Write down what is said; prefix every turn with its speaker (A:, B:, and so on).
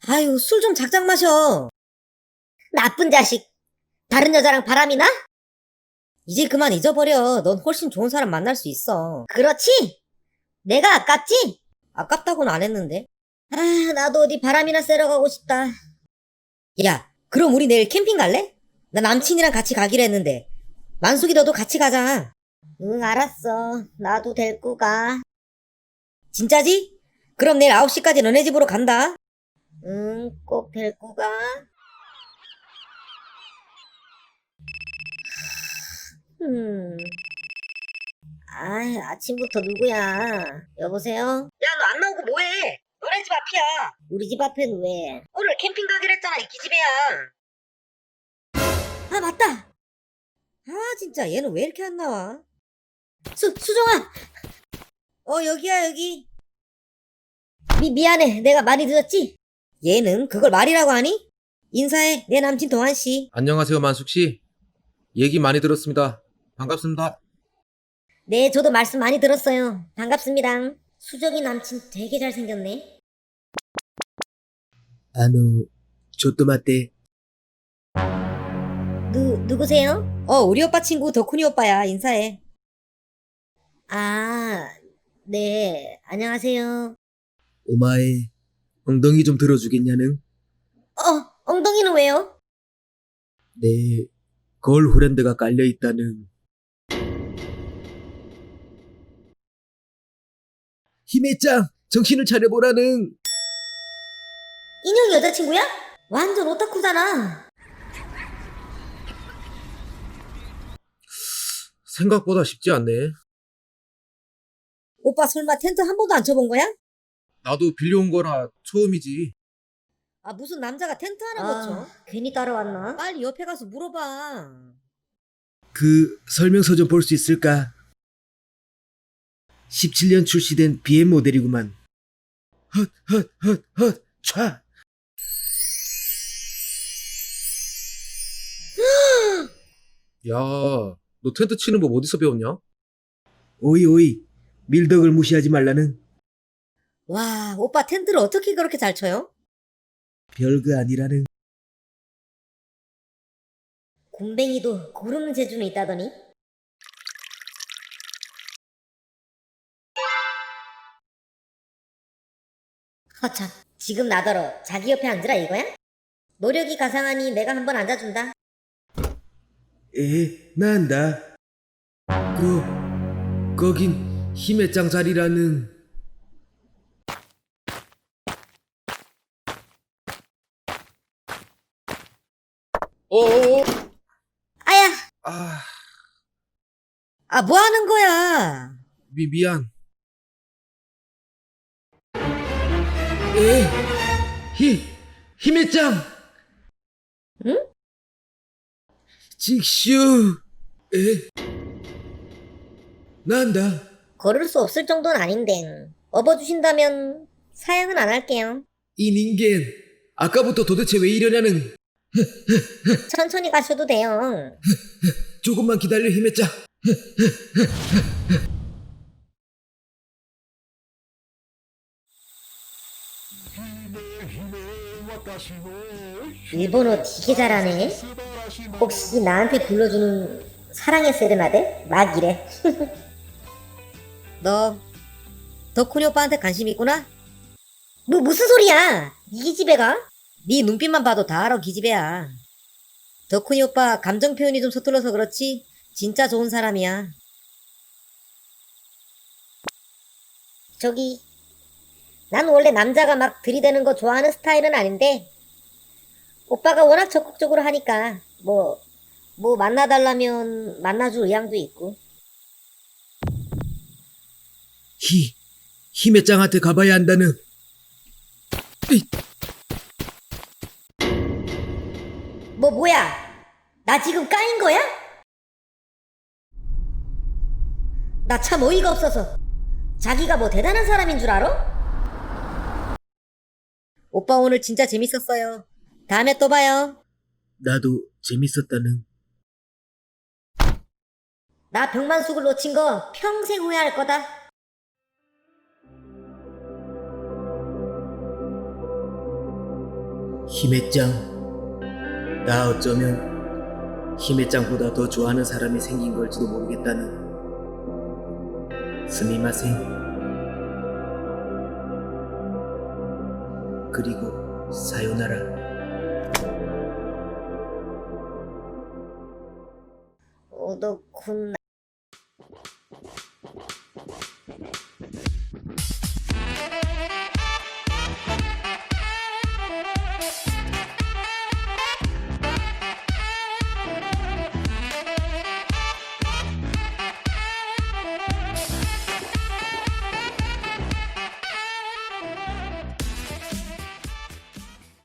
A: 아유, 술 좀 작작 마셔. 나쁜 자식. 다른 여자랑 바람이 나? 이제 그만 잊어버려. 넌 훨씬 좋은 사람 만날 수 있어. 그렇지? 내가 아깝지? 아깝다고는 안 했는데. 아, 나도 어디 바람이나 쐬러 가고 싶다. 야, 그럼 우리 내일 캠핑 갈래? 나 남친이랑 같이 가기로 했는데. 만숙이 너도 같이 가자. 응, 알았어. 나도 데리고 가. 진짜지? 그럼 내일 9시까지 너네 집으로 간다. 응, 꼭 데리고 가. 음. 아침부터 누구야? 여보세요? 야, 너 안 나오고 뭐해? 너네 집 앞이야. 우리 집 앞에는 왜? 오늘 캠핑 가기로 했잖아, 이 기집애야. 아, 맞다. 아, 진짜 얘는 왜 이렇게 안 나와? 수정아! 여기야, 여기. 미안해. 내가 많이 늦었지? 얘는 그걸 말이라고 하니? 인사해. 내 남친 동환씨.
B: 안녕하세요, 만숙씨. 얘기 많이 들었습니다. 반갑습니다.
A: 네, 저도 말씀 많이 들었어요. 반갑습니다. 수정이 남친 되게 잘생겼네.
C: ちょっと待って。
A: 누구세요? 우리 오빠 친구 덕훈이 오빠야. 인사해. 아, 네. 안녕하세요.
C: お前、엉덩이 좀 들어주겠냐는?
A: 엉덩이는 왜요?
C: 내 걸후렌드가 깔려있다는. 힘의 짱! 정신을 차려보라는!
A: 인형 여자친구야? 완전 오타쿠잖아.
B: 생각보다 쉽지 않네.
A: 오빠 설마 텐트 한 번도 안 쳐본 거야?
B: 나도 빌려온 거라 처음이지.
A: 무슨 남자가 텐트 하나 못 쳐? 괜히 따라왔나? 빨리 옆에 가서 물어봐.
C: 그 설명서 좀 볼 수 있을까? 17년 출시된 BM 모델이구만. 헛, 촤!
B: 야, 너 텐트 치는 법 어디서 배웠냐?
C: 오이, 밀덕을 무시하지 말라는.
A: 와, 오빠 텐트를 어떻게 그렇게 잘 쳐요?
C: 별거 아니라는.
A: 곰뱅이도 고르는 재주는 있다더니. 허참, 지금 나더러 자기 옆에 앉으라 이거야? 노력이 가상하니 내가 한번 앉아준다.
C: 나안다. 거긴 힘의 짱 자리라는.
B: 어어어!
A: 아야!
B: 아,
A: 뭐 하는 거야?
B: 미안.
C: 힘의 짱!
A: 응?
C: 직슈! 나안다.
A: 걸을 수 없을 정도는 아닌데 업어주신다면 사양은 안 할게요.
C: 이 닌겐, 아까부터 도대체 왜 이러냐는.
A: 천천히 가셔도 돼요.
C: 조금만 기다려, 힘의 짱.
A: 일본어 되게 잘하네. 혹시 나한테 불러주는 사랑의 세레나데? 막 이래. 너 덕훈이 오빠한테 관심 있구나? 무슨 소리야? 이 기집애가? 네 눈빛만 봐도 다 알아, 기집애야. 덕훈이 오빠 감정 표현이 좀 서툴러서 그렇지 진짜 좋은 사람이야. 저기, 난 원래 남자가 막 들이대는 거 좋아하는 스타일은 아닌데 오빠가 워낙 적극적으로 하니까 뭐 만나달라면 만나줄 의향도 있고.
C: 힘의 짱한테 가봐야 한다는.
A: 뭐야? 나 지금 까인 거야? 나 참 어이가 없어서. 자기가 뭐 대단한 사람인 줄 알아? 오빠 오늘 진짜 재밌었어요. 다음에 또 봐요.
C: 나도 재밌었다는.
A: 나 병만숙을 놓친 거 평생 후회할 거다.
C: 히메짱, 나 어쩌면 히메짱보다 더 좋아하는 사람이 생긴 걸지도 모르겠다는. 스미마셍. 그리고 사요나라.
A: おどくな